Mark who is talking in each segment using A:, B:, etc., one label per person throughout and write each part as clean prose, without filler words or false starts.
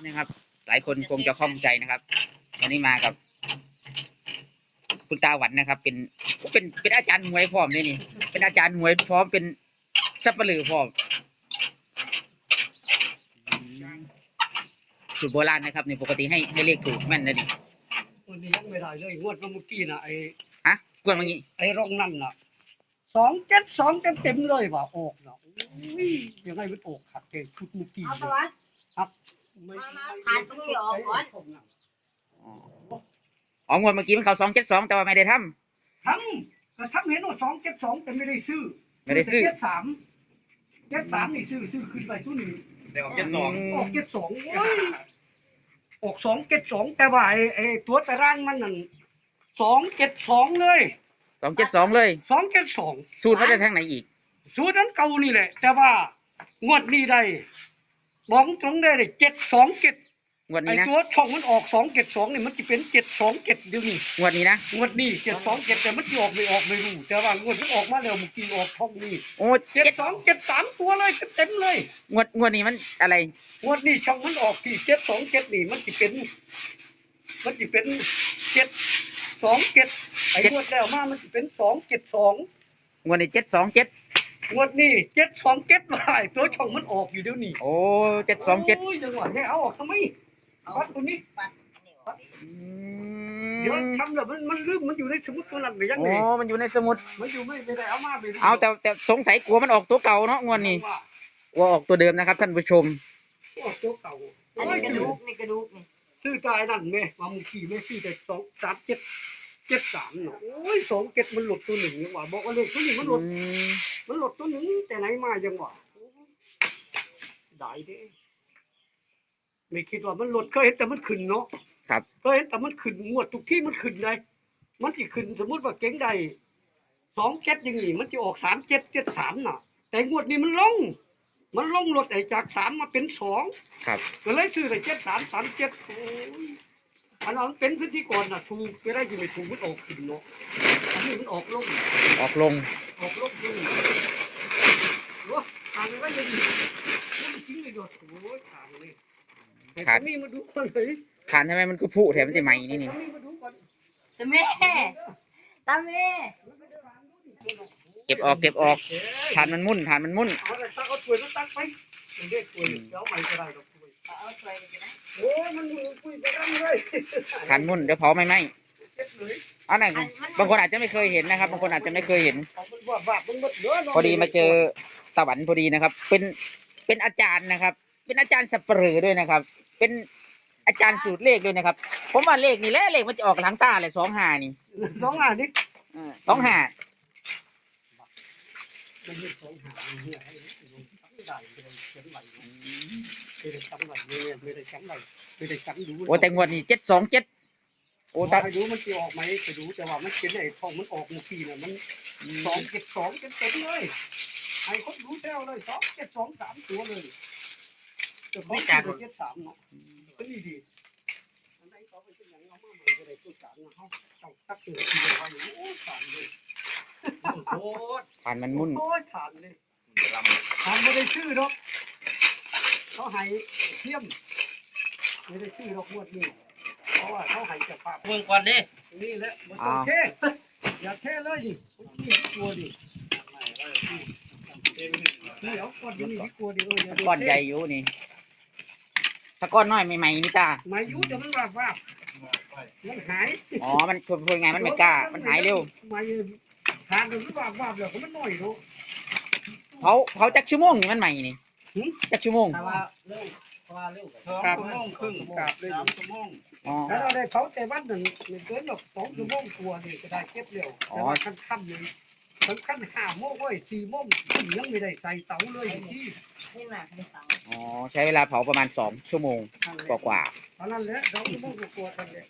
A: นะครับหลายคนคงจะข้องใจนะครับวันนี้มากับคุณตาหวันนะครับเป็นอาจารย์หวยพร้อมเลยนี่เป็นอาจารย์หวยพร้อมเป็นสับปะลือพร้อมสูตรโบราณนะครับในปกติให้เลขถูกแม่นนะนี่
B: วันนี้ยังไม่ได้เลยงวดเมื่อกี้นะ
A: กวนเมื่อกี้
B: ไอ้ร่องนั่นน่ะ272เต็มเลยว่ะออกนะยังไงมันออกขัดเก่งชุดเมื่อกี้ครับไม่
C: ทานตรงนี้ออกก่อน
A: งวดเมื่อกี้มันเข้า272แต่ว่าไม่ได้ทำ
B: ก็ทำเห็นว่า272แต่ไม่ได้ซื้อ73นี่ซื้อขึ้นไปตัวนี้
D: แต่ออก72
B: ออก72ออก272แต่ว่าไอ้ตัวตารางมันนั่น272เลย
A: 272เลย
B: 272
A: สูตรมาจากทางไหนอีก
B: สูตรนั้นเก่านี่แหละแต่ว่างวดนี้ได้บอกตรงได้727
A: งวดนี้
B: นะไอ้ตัวช่องมันออก272นี่มันจะเป็น727เดี๋ยวนี้
A: งวดนี้นะ
B: งวดนี้727แต่มันจะออกไม่รู้แต่ว่างวดมันออกมาแล้วเมื่อกี้ออกช่องนี้
A: โอ้
B: 7273ตัวเลยเต็มเลย
A: งวดนี้มันอะไร
B: งวดนี้ช่องมันออกที่727นี่มันจะเป็น727ไอ้งวดแล้วมามันจะเป็น272
A: งวดนี้727
B: งวดนี้727ว่าตัวช่องมันออกอยู่เดี๋ยวนี้
A: โอ้727
B: โอ้ยจังหวะนี้เอาออกทำไมวัดตัวนี้เดี๋ยวทำแล้วมันลืมมันอยู่ในสมุดตัวนั้นไปยังไง
A: มันอยู่ในสมุด
B: มันอยู่ไม่ได้เอามาไป
A: เอาแต่สงสัยกลัวมันออกตัวเก่าเนาะงวดนี้กลัวออกตัวเดิมนะครับท่านผู้ชม
B: ออกตัวเก่า
C: อันนี้กระดูกนี่
B: ซื้อตายนั่นแม่มามุขี่แม่ซื้อแต่23773เนาะโอ้ย27มันหลุดตัวหนึ่งนี่ว่าบอกว่าเลขตัวนี้มันหลุดตัวหนึ่งแต่ไหนมาจังหวะได้เด้ไม่คิดว่ามันหลุดเคยเห็นแต่มันขึ้นเนาะ
A: ครับ
B: เคยเห็นแต่มันขึ้นงวดทุกที่มันขึ้นเลยมันสิขึ้นสมมุติว่าเก่งใด27อย่างนี้มันจะออก3773น่ะแต่งวดนี้มันลงลดไอ้จาก3มาเป็น2
A: ครับ
B: ก็เลยซื้อได้7337โอ้ยอันนั้นเป็นพื้นที่ก่อนน่ะถูกไปได้ที่ไม่ถูกมันออกขึ้นเนาะอันนี้มันออกลงขึ้นโอ้ทางก็ยังมันจริงเลยโดดโอ้ยทางเลยขาดนี่มาดูก่อนเลย
A: ขาดทำไมมันคือผู้แถมมันจะใหม่นี่
C: ตาแม่
A: เก็บออกฐานมันมุ่น
B: เอาถ้วยตักไปมันได้ถ้วยเดี๋ยวใหม่ก็ได้ดอกถ้วย
C: เอาถ้วยไปนะ
B: โอ้ยมันคุยไปกันเลย
A: ฐานมุ่นเดี๋ยวเผาไม่อันไหนบางคนอาจจะไม่เคยเห็นนะครับบางคนอาจจะไม่เคยเห็นพอดีมาเจอตะวันพอดีนะครับเป็นอาจารย์นะครับเป็นอาจารย์สับปะเหร่อด้วยนะครับเป็นอาจารย์สูตรเลขด้วยนะครับผมว่าเลขนี่แหละเลขมันจะออกหลังตาเลย25นี่
B: 25นี่
A: 25
B: มันมี25เนี่ยได้เขียนไหลไม่ได้จำไหลไม่ได้จำดู
A: โอ้แต่งวดนี้727โอ้ตา
B: ไปดูมันจะออกไหมไปดูแต่ว่ามันเป็นไอ้ทองมันออกเมื่อกี้น่ะมัน272เต็มเลยไอ้คนดูแถวเลย272 3ตัวเลยจะไม่จัด73เนาะก็นี่ดีอันไหนก็เป็นอย่างเอามาใหม่ก็ได้ตัว3นะเฮาต้องตักเตือนทีไว้โอ้สารเลยโอ้
A: ฐานมันมุ่น
B: โอ้ฐานเลยฐานไม่ได้ชื่อหรอกเขาให้เทียมไม่ได้ชื่อหรอกงวดนี้เพราะว่าเขาให้จากภาพ
D: เบิ่งก่อนดิ
B: นี่แหละบ่ต้องเทอย่าเทเลยดินี่กลัวดินี่เอาก้อนนี้กลัวดิ
A: ก้อนใหญ่อยู่นี่ถ้าก้อนน้อยใหม่ๆนี่ตา
B: ไม่อยู่จะมันว่ามันหาย
A: มันพูดไงมันไม่กล้ามันหายเร็ว
B: ไม่ทานมันว่าเดี๋ยวมันน้อยดู
A: เขาจักชั่วโมงนี่มันใหม่นี่จักชั่วโมง
B: 2 ชั่วโมงครึ่งกลับเลย3 ชั่วโมงแล้วเราได้เผาแต่วันหนึ่งเกินแบบ2 ชั่วโมงตัวนี่ก็ได้เก็บเร็วแต่ว่าค่ำเลยสำคัญ5 โมงเว้ย4 โมงยังไม่ได้ใส่เตาเลยที่
C: นี่มาไม่เตา
A: ใช้เวลาเผาประมาณ2 ชั่วโมงกว่า
B: เท่านั้นแหละ2 ชั่วโมงกว่าๆกันเลย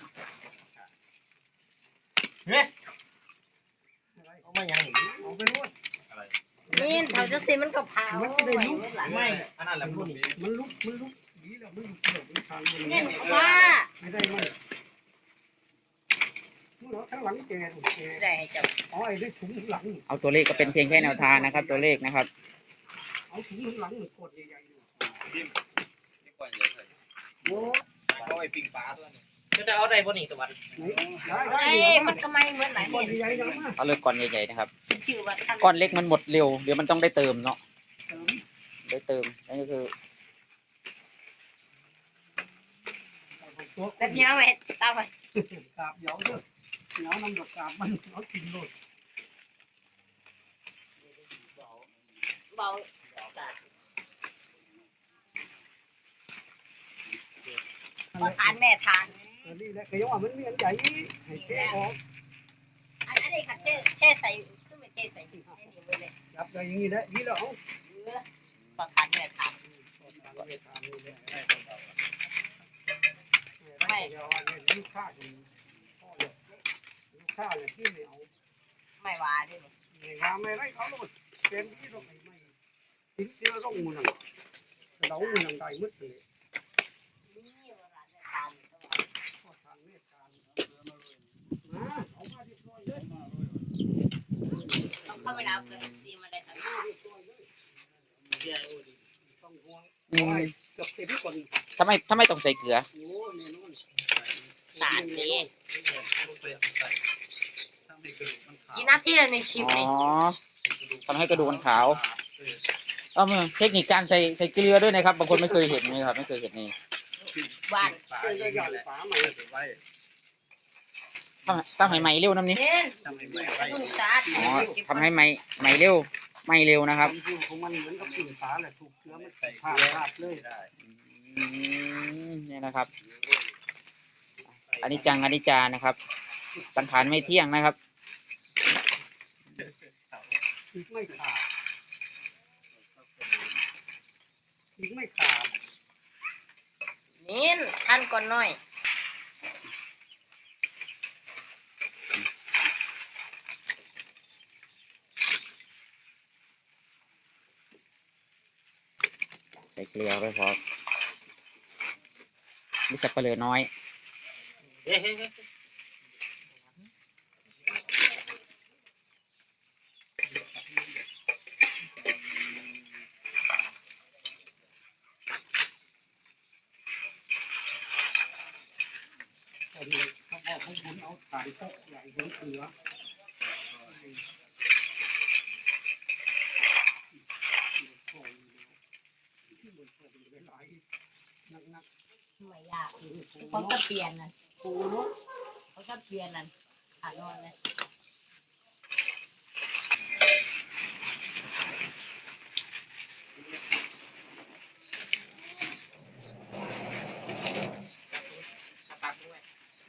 D: เอามายัง
B: เอาไปนวด
C: นี่เขาจะซีมันก็เผา
B: มันจะได้ลุก
D: ไม่อันนั้นแหละ
B: มันลุกดีแล้วมันลุกมันทาง
C: เนี่ยว่า
B: ไม่ได้มั้ยข้างหลังแก
C: ใช่จ้ะ
B: ไอ้ได้ถุงหลัง
A: เอาตัวเลขก็เป็นเพียงแค่แนวทางนะครับตัวเลขนะครับ
B: เอาถุงหลังกดใหญ่ๆโอ้
D: เอาไอ้ปิงปลาตัวนี้จะเอาได้บ่นี่ตะวัน
B: ได้
C: ไอ้มันก็ไม่เหมือนไหน
B: ก้อน
C: เนี่ย
B: ใหญ่ยังมา
A: เอาเลยก้อนใหญ่ๆนะครับ
C: ชื่อว่าท่าน
A: ก้อนเล็กมันหมดเร็วเดี๋ยวมันต้องได้เติมเนาะได้เติมนั่นก็คือ
C: แบบนี้เอาไว้ตามไป
B: กาบเหยาเด้อเหยาน้ำดอกกาบมันเอากินโลด
C: เบาพอทานแม่ทาน
B: อันนี้แหละก็ยังว่ามันมีอันใหญ่ให้เทออก
C: อันนี้ค่ะเท่ใส่ขึ้นมาเท่ใส่ให้นี่เลย
B: จับได้อย่างนี้แหละนี่แล้วเอา
C: พอทานแม่ทาน
B: ไม่เดี๋ยวเนี่ยลูกค้าอยู่พ่อเลยลูกค้าเลยที่ไม่เอา
C: ไม่ว่าด้วย
B: ไม่ว่าไม่ไรเขาโลดเป็นที่เราไม่ทิ้งเชื้อร่องมือหนังเรามือหนังได้มืดเลย
C: นี่ว่าร้านแม่ทาน
B: พ่อทางเมตตามาเอามาเรียบร้อยเลย
C: ต้องเข้าไปรับเลยดีมาได้ทั้ง
B: ต้องห่วง
A: อืม
B: เกือบเต็มก่อน
A: ทำไมต้องใส่เกลือ
B: โอ้แน่นอน
C: สารนี้
D: ทำให้กระดูกมันขาว
C: กี่นาทีแล้วในคลิป
A: อ๋อ
C: นี้
A: ทำให้กระดูกมันขาวเทคนิคการใส่เกลือด้วยนะครับบางคนไม่เคยเห็นนะครับไม่เคยเห็นนี่
C: บ้าน
D: ปลา
B: เคย
D: เอ
B: ก็
D: ง
B: หย่อน
D: แหละ
B: ฝาใหม่
D: ไว้
A: ทำให้ไหมเร็วน้ำนี้
C: เน้น
D: ทำให้ไม่ไว้
C: คุณสาด
A: อ๋อทำให้ไหมเร็วนะครับ
B: ความจริงของมันเหมือนกับกลิ่นฝาแหละถูกเชื้อมันผ่าราดเลย
D: ได้
A: นี่นะครับ อันนี้จานะครับ สังขารไม่เที่ยงนะครับ
B: อีกไม่ขาดอีกไม่ขาด
C: เน้นท่านก่อนหน่อย
A: ใส่เกลือไปพอมีสับปะเหลือน้อย
D: เฮ้ย
B: ตอนนี้เขาบอกให้คุณเอาถ่ายพกใหญ่หัวเสือนัก
C: ไม่ยาก
B: ๆ
C: เขาก็เปลี่ยนนะปูนุ๊กเขาก็เปลี่ยนนั่นขานอนเลย
D: ตักด้วย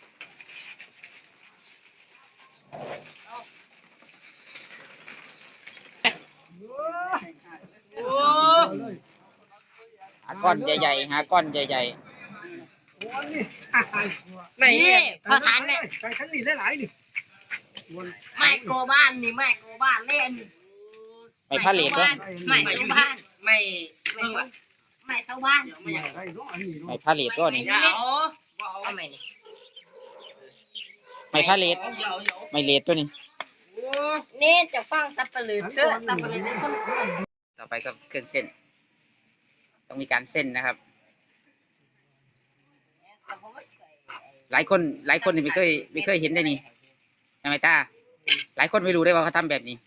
A: หาก้อนใหญ่ๆหาก้อนใหญ่
B: โอ้นี่
C: นี่พอทานแม่
B: ใส่ชั้นนี่หลายๆนี่วน
C: ไม่โกบ้านนี่ไม่โกบ้านเล่น
A: ๆไม่ผ้าเหล็กด้วย
C: ไม่เช่าบ้าน
D: ไม่
C: ไม่ไม่เช่าบ้าน
B: ไม่อยากได้เนาะอันนี้
A: ไม่
B: เนาะ
A: ผ้าเหล็กก็นี่
C: เดี๋ยวเอาไม่นี่
A: ไม่ผ้าเหล็กไม่เหล็กตัวนี้
C: นี่จะฟังสับปะรดเชื่อสับปะรดคน
A: ต่อไปก็เครื่องเส้น ต้องมีการเส้นนะครับ หลายคนนี่ไม่เคยเห็นได้นี่ใช่ไหมตาหลายคนไม่รู้ได้ว่าเขาทำแบบนี้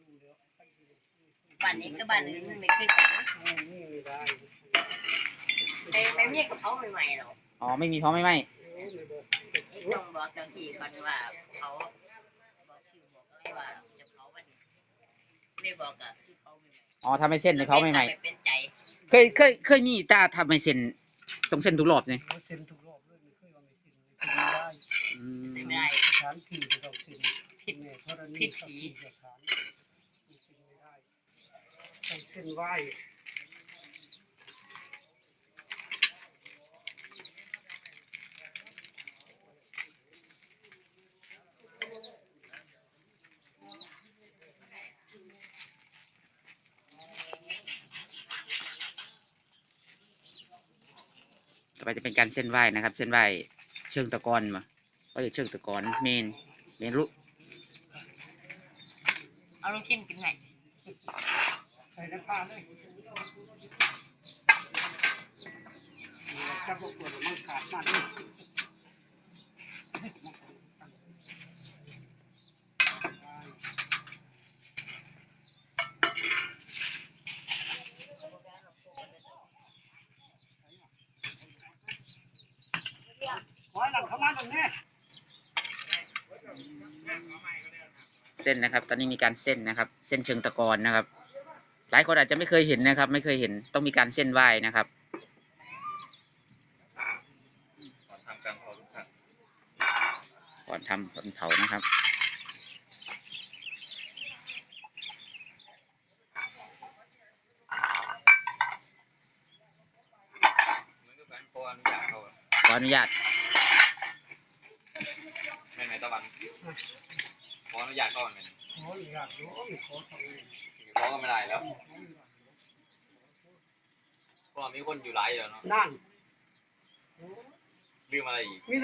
C: บ้านนี้คือบ้านอื่นไม่เคยกัน
B: นี่ไม่ได้
C: ไม่มีกับเขาใหม่ๆหรอก
A: อ๋อไม่มีเพราะไม่ไหม
C: ต้องบอกเจ้าที่ก่อนว่าเขาบอกชื่อบอกอะไรว่าจะเผาวันนี้ไม่บอกอะคือเขาไม่
A: อ๋อทำให้เส้นในเขาไม่ไหม
C: เป็นใจ
A: เคยมีตาทำให้เส้นตรงเส้นทุกรอบเลย
B: เซ็นทุกรอบเลยไม่เคยว่าไม่เซ็นไม่ได้
A: อืม
C: ไม่ได้
B: สถานที่ไม่ต้องเซ็นผิดเนี่ยเพราะอันนี้สถานไม่ได้ต้องเส้นไหว้
A: ต่อไปจะเป็นการเส้นไหว้นะครับ เส้นไหว้เชิงตะกอนมาก็จะเชิงตะกอนเมนรู้
C: เอาลูกชิ้นกินไง
B: ใส่น้ำปลาเลยถ้าพวกเปิดมันขาดมากเลยขอให้หลังเข้ามาตรงนี้
A: เส้นนะครับ ตอนนี้มีการเส้นนะครับ เส้นเชิงตะกอนนะครับ หลายคนอาจจะไม่เคยเห็นนะครับ ไม่เคยเห็นต้องมีการเส้นไหว้นะครับ
D: ทำการเผาทุกครั้ง
A: ก่อนทำก่อนเผานะครับ
D: เหมือนกับการขออนุญาตเขา
A: ขออนุญาต
D: ไม่ไหมตะวันขออนุญาตเขาเหมือนกัน
B: ขออยากรู้ขอทำเลย
D: ขอก็ไม่ได้แล้วเพราะว่ามีคนอยู่หลายอยู่เนาะ
B: นั่น
D: ลืมอะไรอีก
B: มีแต่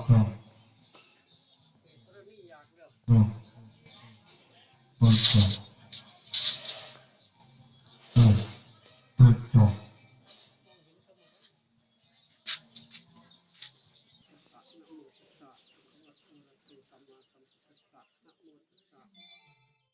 E: Oh,